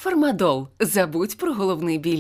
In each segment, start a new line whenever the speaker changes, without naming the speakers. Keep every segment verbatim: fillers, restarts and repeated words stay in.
Фармадол. Забудь про головний біль.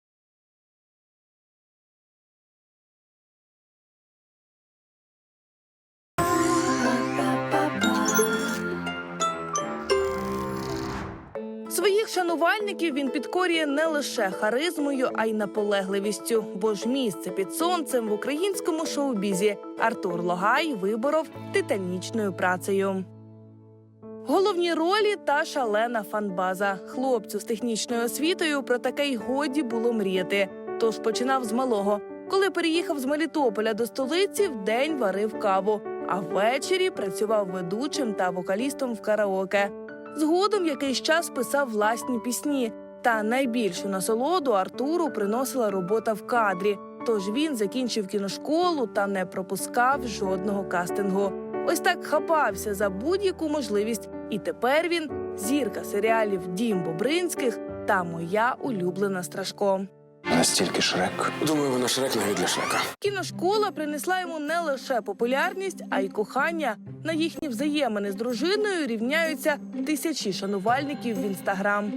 Своїх шанувальників він підкорює не лише харизмою, а й наполегливістю. Бо ж місце під сонцем в українському шоу-бізі Артур Логай виборов титанічною працею. Головні ролі та шалена фанбаза. Хлопцю з технічною освітою про таке й годі було мріяти. Тож починав з малого. Коли переїхав з Мелітополя до столиці, вдень варив каву, а ввечері працював ведучим та вокалістом в караоке. Згодом якийсь час писав власні пісні. Та найбільшу насолоду Артуру приносила робота в кадрі. Тож він закінчив кіношколу та не пропускав жодного кастингу. Ось так хапався за будь-яку можливість. І тепер він – зірка серіалів «Дім Бобринських» та «Моя улюблена Страшко».
Настільки Шрек. Думаю, вона Шрек навіть для Шрека.
Кіношкола принесла йому не лише популярність, а й кохання. На їхні взаємини з дружиною рівняються тисячі шанувальників в Інстаграм.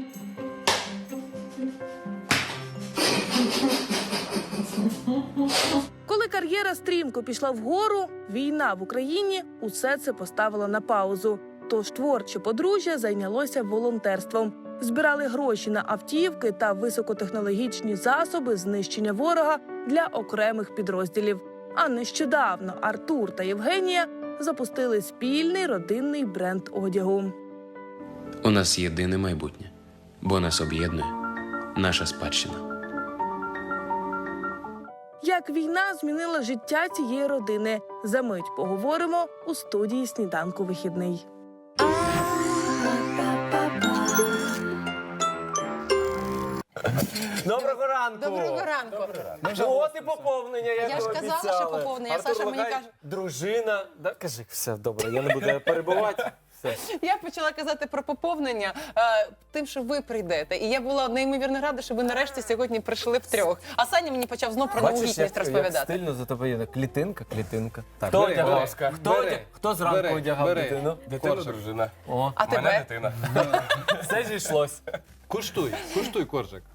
Коли кар'єра стрімко пішла вгору, війна в Україні усе це поставила на паузу. Тож творче подружжя зайнялося волонтерством. Збирали гроші на автівки та високотехнологічні засоби знищення ворога для окремих підрозділів. А нещодавно Артур та Євгенія запустили спільний родинний бренд одягу.
У нас єдине майбутнє, бо нас об'єднує наша спадщина.
Як війна змінила життя цієї родини? Замить поговоримо у студії «Сніданку вихідний».
Доброго ранку!
Доброго ранку.
Ну, от і поповнення, як
Я ж
ви
казала,
обіцяли.
що поповнення.
Артур
Саша мені
Логай,
каже-
дружина. Да, кажи, все, добре, я не буду перебувати. Все.
Я почала казати про поповнення е, тим, що ви прийдете. І я була неймовірно рада, що ви нарешті сьогодні прийшли втрьох. А Саня мені почав знов про новогітність
як, як
розповідати.
стильно за тобою є. Клітинка, клітинка. Так,
Хто
бери,
одягав?
будь ласка. Хто,
Бери.
одяг- Хто зранку
Бери,
одягав
бери.
дитину?
Дитина,
Коржик.
дружина.
О,
А
Мене
тебе?
дитина.
все зійшлось.
Куштуй, куштуй коржик.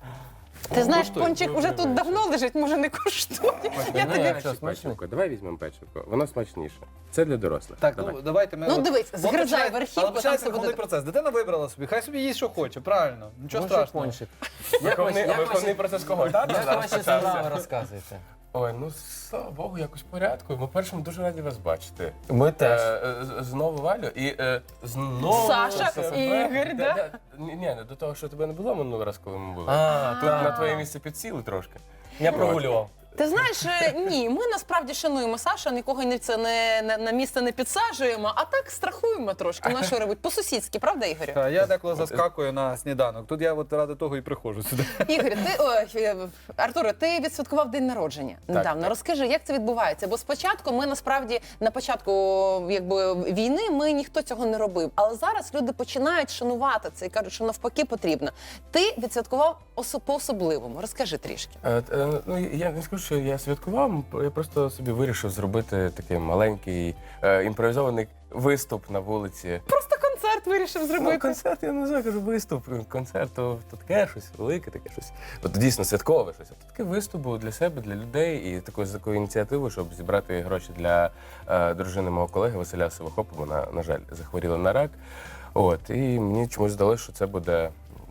Ти знаєш,
Коштує.
пончик уже тут давно лежить, може не коштує. Я тобі...
Що, смачно?
Печивко. Давай візьмемо печивко. Воно смачніше. Це для дорослих.
Так,
Давай.
ну давайте ми...
Ну,
от-
дивись,
от
згризай
починає-
верхівку,
але
там
починається
все буде
виховний процес. Дитина вибрала собі, хай собі їсть, що хоче, правильно. Нічого
Може,
страшного.
пончик.
Виховний,
як
виховний
ваші-
процес кого? Тата
Як
зараз
ваші
почався?
справи розказуєте?
Ой, ну слава Богу, якось в порядку. Ми першим дуже раді вас бачити.
Ми теж.
Е, е, з- Знову Валю і е, знову
Саша,
себе.
Ігор, да?
Да, Ні, ні, до того, що тебе не було минулий раз, коли ми були.
А,
Тут
так.
на твоє місце підсіли трошки.
Я прогулював.
Ти знаєш, е, ні, ми насправді шануємо Саша, нікого не, це не, не, на місце не підсаджуємо, а так страхуємо трошки. На що робить? По-сусідськи, правда, Ігорю?
Та, я деколи заскакую на сніданок. Тут я от ради того і приходжу сюди.
Ігор, ти ой, е, Артуре, ти відсвяткував день народження недавно.
так.
Розкажи, як це відбувається? Бо спочатку ми насправді на початку якби війни ми ніхто цього не робив. Але зараз люди починають шанувати це і кажуть, що навпаки потрібно. Ти відсвяткував осо- по-особливому. Розкажи трішки.
Е, е, Ну, я не скажу, що я святкував, я просто собі вирішив зробити такий маленький е, імпровізований виступ на вулиці.
Просто концерт вирішив
Ну,
зробити.
концерт, я не знаю, кажу, виступ. Концерт, то, то таке щось велике, таке щось. От дійсно святкове щось. От такий виступ був для себе, для людей і такою з такою ініціативою, щоб зібрати гроші для е, дружини мого колеги Василя Сивохопа. Вона, на жаль, захворіла на рак. От, і мені чомусь здалося, що це буде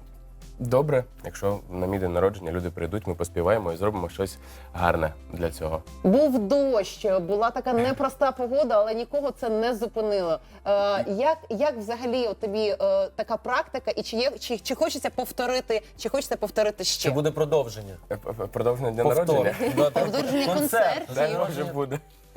добре, якщо на мій день народження люди прийдуть, ми поспіваємо і зробимо щось гарне для цього.
Був дощ, була така непроста погода, але нікого це не зупинило. Е, як, як взагалі от тобі е, така практика, і чи, є, чи, чи хочеться повторити, чи хочеться повторити ще?
Чи буде продовження?
Е, п- п- Продовження дня
Повтор.
народження.
Да,
Продовження концертів.
Дай Боже буде.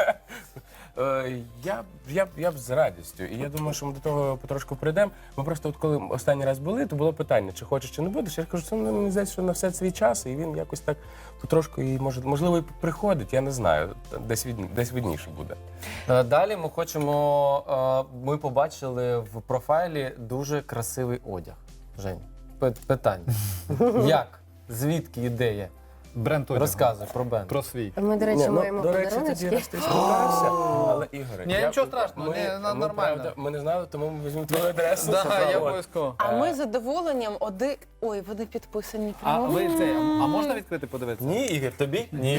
Е, Я, б- я, б- я б з радістю. І я думаю, що ми до того потрошку прийдемо. Ми просто, от коли останній раз були, то було питання, чи хочеш, чи не будеш. Я кажу, це ну, мені здається, що на все свій час, і він якось так потрошку, і може, можливо, і приходить, я не знаю. Десь, від, десь видніше буде.
Е, Далі ми хочемо, е, ми побачили в профайлі дуже красивий одяг. Жень, пи- питання. Як? Звідки ідея?
Бренд одягу.
Розказуй про бенд.
Про свій.
Ми, до речі,
Ні, ну,
маємо
до речі, тоді
подаруночки.
раз ти спитався, але Ігоре.
Ні,
я-
нічого страшного,
ми-
ні, на-
ми,
нормально.
правда, Ми не знали, тому ми візьмемо твою адресу.
Да, я
От.
обов'язково.
А ми з задоволенням один. Ой, вони підписані.
А
прямо.
ви це, а можна відкрити подивитися?
Ні, Ігор, тобі? Ні.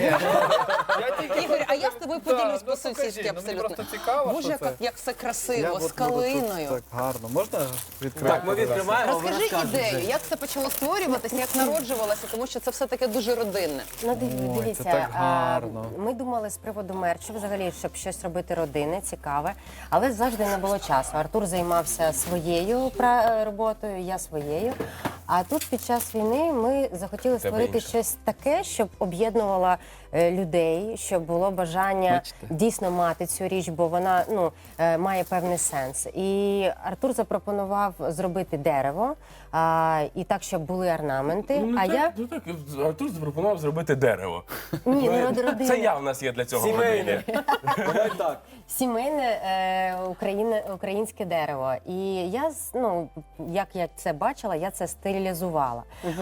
Я тільки
Ігор, а я з тобою
Да,
поділюсь
ну,
по-сусідськи
покажи, ну, мені
абсолютно.
просто цікаво,
Боже,
що це.
як, як все
Я
красиво,
от
з
буду тут
калиною.
Так гарно. Можна відкрити?
Так, ми відкриваємо, ви
Розкажи
розказуєте.
ідею, як це почало створюватися, як народжувалося, тому що це все таке дуже родинне.
Ну, диві-
Ой,
дивіться,
це так
а,
гарно.
ми думали з приводу мерчу, взагалі, щоб щось робити родинне, цікаве, але завжди не було часу. Артур займався своєю пра- роботою, я своєю. А тут під час війни ми захотіли
Тебе
створити
інше.
щось таке, щоб об'єднувало е, людей, щоб було бажання дійсно мати цю річ, бо вона ну, е, має певний сенс. І Артур запропонував зробити дерево, а, і так, щоб були орнаменти.
Ну,
а
так,
я
ну, так, Артур запропонував зробити дерево.
ні,
Ми-
не род- родинне.
Це я в нас є для цього. в родині.
Давай так.
Сімейне е, україне, українське дерево. І я з- ну як я це бачила, я це стилізувала.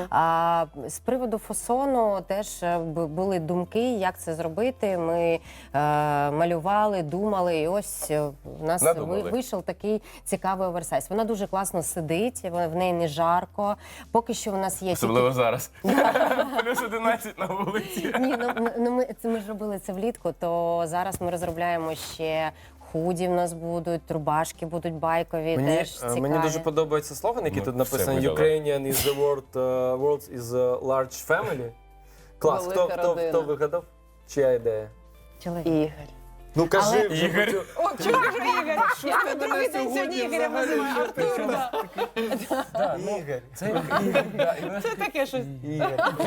А з приводу фасону теж е, б- були думки, як це зробити. Ми е, малювали, думали, і ось е, в нас
Надумали.
ви- вийшов такий цікавий оверсайз. Вона дуже класно сидить, вона- в неї не жарко. Поки що в нас є
Особливо зараз. Плюс одинадцять на вулиці.
ні, ну, ну, ну ми це ми ж робили це влітку. То зараз ми розробляємо ще худі. В нас будуть рубашки, будуть байкові.
Мені,
теж
е,
цікаві.
мені дуже подобається слоган, який
Ну,
тут
все
написаний
видали.
Ukrainian is the world, uh, world is a large family. Клас, хто,
Велика
хто,
родина.
хто вигадав? Чия ідея?
Чоловік.
Ігор.
Ну кажи,
Але-
вже
Ігор.
хочу-
О, чого ж Ігор? Я на другий день сьогодні Ігоря називаю Артур. да.
Да, ну,
Ігор.
Це Ігор, да, і вона-
Це таке щось.
Ігор.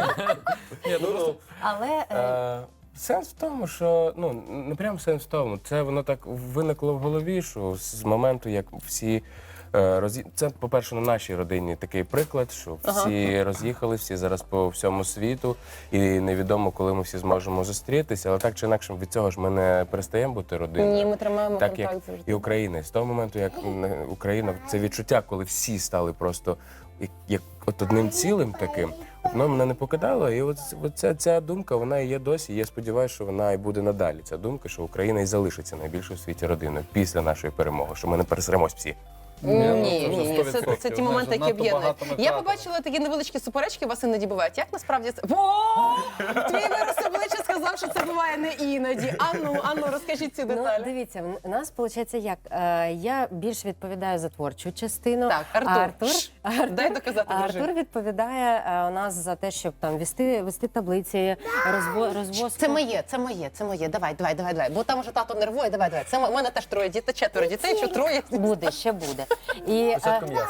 Ні, ну, ну,
Але е,
Е, Сенс в тому, що ну не прям сенс в тому. Це воно так виникло в голові, що з моменту, як всі е, роз'ї... Це, по-перше, на нашій родині такий приклад, що всі роз'їхали, всі зараз по всьому світу, і невідомо, коли ми всі зможемо зустрітися. Але так чи інакше від цього ж ми не перестаємо бути родиною.
Ні, ми тримаємо
Так як
контакт завжди.
і Україна. З того моменту, як м, Україна, це відчуття, коли всі стали просто як, як от одним цілим таким, воно мене не покидало. І от, от ця, ця думка, вона і є досі. І я сподіваюся, що вона і буде надалі. Ця думка, що Україна і залишиться найбільшою в світі родиною після нашої перемоги, що ми не пересеремось всі.
Ні,
ну,
ні,
це вже
ні, це,
сто відсотків.
це ті
Ми
моменти,
ж
які
надто
об'єднують.
багато ми
Я
втратили.
побачила такі невеличкі суперечки, вас іноді бувають. Як насправді це? О! Твій вираз обличчя сказав, що це буває не іноді. Ану, ану, розкажіть ці
ну,
деталі.
дивіться, в- у нас виходить як е, я більш відповідаю за творчу частину.
Так, Артур.
а Артур,
Шш,
Артур,
дай доказати,
а
дружині.
Артур відповідає е, у нас за те, щоб там вести, вести таблиці, розво, розвозку.
Це моє, це моє, це моє. Давай, давай, давай, давай. Бо там уже тато нервує. Давай, давай. Це мо- у мене теж троє дітей, четверо дітей, чи троє.
Буде, ще буде. І е,
Спочатку м'ясо.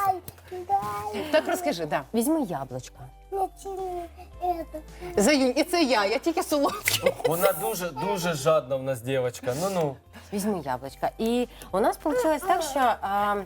Так розкажи, да.
візьми яблучко.
Заюнь, і це я, я тільки солодкий.
Вона дуже, дуже жадна в нас дівчинка. Ну-ну.
Візьми яблучко. І у нас вийшло так, що а,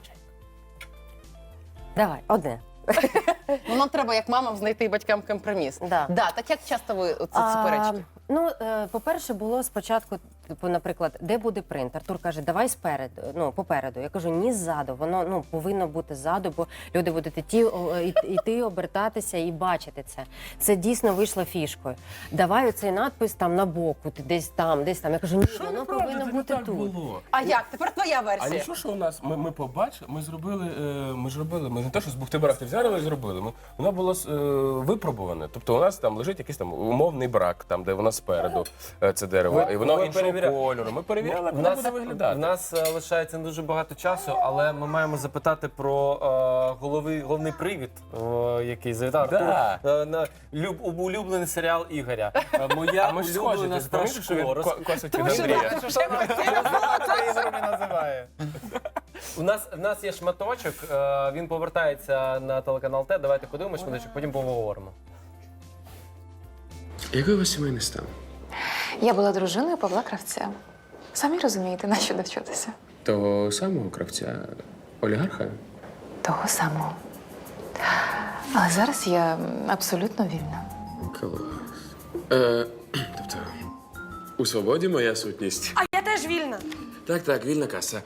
давай, одне.
Ну, нам треба, як мамам, знайти батькам компроміс.
Да.
Да, так як часто ви оце
А,
суперечки?
Ну, е, по-перше, було спочатку, типу, наприклад, де буде принт? Артур каже, давай спереду, ну, попереду. Я кажу, ні ззаду, воно ну, повинно бути ззаду, бо люди будуть іти, о, і- іти, обертатися і бачити це. Це дійсно вийшло фішкою. Давай оцей надпис там на боку, ти десь там, десь там. Я кажу, ні, воно повинно бути тут.
було.
А як? Тепер твоя
А
версія.
нічого, що у нас ми, ми побачили, ми зробили, е, ми ж робили, ми не те, що з бухти-барахти взяли і зробили. Ми, воно було е, випробуване. Тобто у нас там лежить якийсь там умовний брак, там де воно спереду е, це дерево,
Ви-
і воно
ви
іншого
перевіря-
кольору. Ми перевіряли, як
В
воно
нас,
буде виглядати.
в нас е, лишається не дуже багато часу, але ми маємо запитати про е, головний, головний привід, е, який завітав
Да.
Артур, е, на люб, улюблений серіал Ігоря. Е, Моя
А ми ж схожі,
улюблена
ти пам'ятаєш, що він
Страшко.
ко- косить від
що
Андрія?
Це Ігор не називає.
У нас, в нас є шматочок, е, він повертається на телеканал Т. Давайте подивимось, шматочок, потім поговоримо.
Який у вас сімейний стан?
Я була дружиною Павла Кравця. Самі розумієте, на що довчитися?
Того самого кравця олігарха?
Того самого. Але зараз я абсолютно вільна.
Клас. Е, тобто, у свободі моя сутність.
А я теж вільна.
Так, так, вільна каса.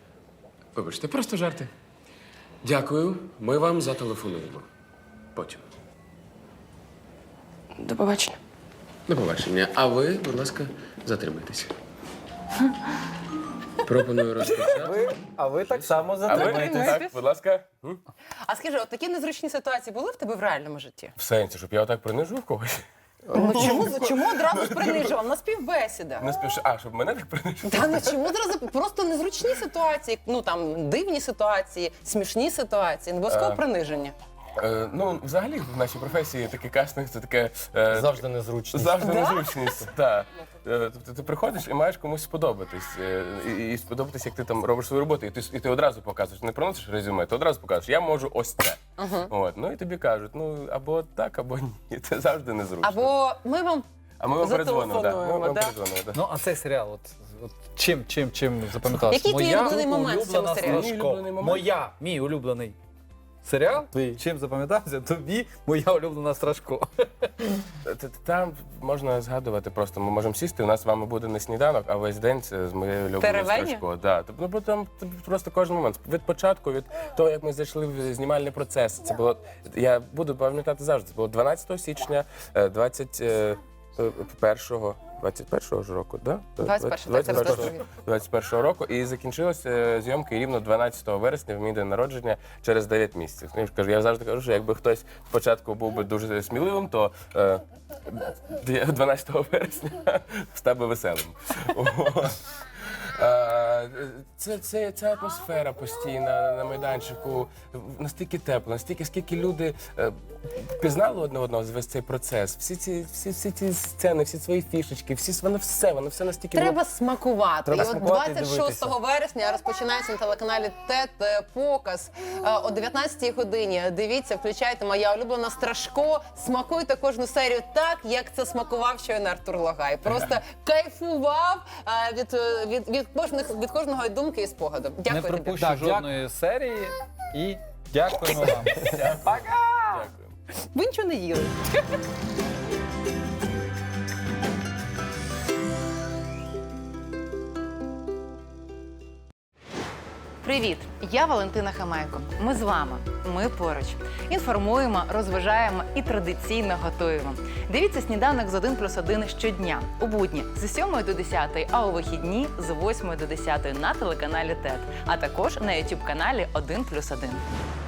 Вибачте, просто жарти. Дякую, ми вам зателефонуємо. Потім.
До побачення.
До побачення. А ви, будь ласка, затримайтеся. Пропоную розпочати.
Ви, а ви так само
А ви
затримаєтесь.
так, будь ласка. М?
А скажи, от такі незручні ситуації були в тебе в реальному житті?
В сенсі, щоб я отак принижив когось.
Ну чому, чому одразу ж принижував? На співбесіда.
Не спіш... А, щоб мене так принижив?
Та ну чому одразу просто незручні ситуації, ну там дивні ситуації, смішні ситуації, не обов'язково
Е.
приниження.
Е, ну, взагалі, в нашій професії такий кастинг це таке. Е,
Завжди незручно.
Завжди незручність. Так. Е, Тобто ти приходиш і маєш комусь сподобатись. е, І, і сподобатись, як ти там робиш свою роботу, і ти, і ти одразу показуєш, не приносиш резюме, ти одразу покажеш, я можу ось це. От. Ну і тобі кажуть, ну або так, або ні. Це завжди незручно.
Або ми вам
А ми вам передзвонимо, так. Ми
зателефонуємо,
вам
да?
передзвонимо, так.
Ну, а цей серіал, от, от чим, чим, чим запам'ятався?
Який твій улюблений момент в цьому
улюблена
серіалі?
Мій
Страшко.
улюблений момент?
Моя, мій улюблений серіал.
Твій.
Чим запам'ятався? Тобі моя улюблена Страшко.
Т- т- Там можна згадувати просто. Ми можемо сісти. У нас з вами буде не сніданок, а весь день це з моєю улюбленою
Теревені?
Страшко. Да. Тобто, ну, бо там тобто, просто кожен момент. Від початку, від того, як ми зайшли в знімальний процес. Це було. Я буду пам'ятати завжди. Це було дванадцятого січня, е, двадцять першого двадцять першого ж року, да?
двадцять першого, так, це
двадцять першого
розкажи.
двадцять першого року. І закінчилися зйомки рівно дванадцятого вересня в мій день народження через дев'ять місяців. Ну, я ж кажу, я завжди кажу, що якби хтось спочатку був би дуже сміливим, то е, дванадцятого вересня став би веселим. Е, Це, це, ця атмосфера постійна на майданчику, настільки тепло, настільки скільки люди е, пізнали одне одного за весь цей процес. Всі ці, всі, всі ці сцени, всі свої фішечки, всі воно все, воно все настільки було-
Треба смакувати.
Треба
і от
смакувати і
двадцять шостого вересня розпочинається на телеканалі ТЕТ е, показ е, о дев'ятнадцятій годині. Дивіться, включайте моя улюблена Страшко. Смакуйте кожну серію так, як це смакував щойно Артур Логай. Просто кайфував е, від, е, від, від, кожних, від кожного думки і спогаду.
Не
Дякую тобі.
пропущу
Так,
жодної серії і дякуємо вам.
Дякую.
Ви нічого не їли.
Привіт! Я Валентина Хамайко. Ми з вами. Ми поруч. Інформуємо, розважаємо і традиційно готуємо. Дивіться «Сніданок з один плюс один» щодня. У будні з сьомої до десятої, а у вихідні з восьмої до десятої на телеканалі ТЕТ. А також на ютуб-каналі один плюс один.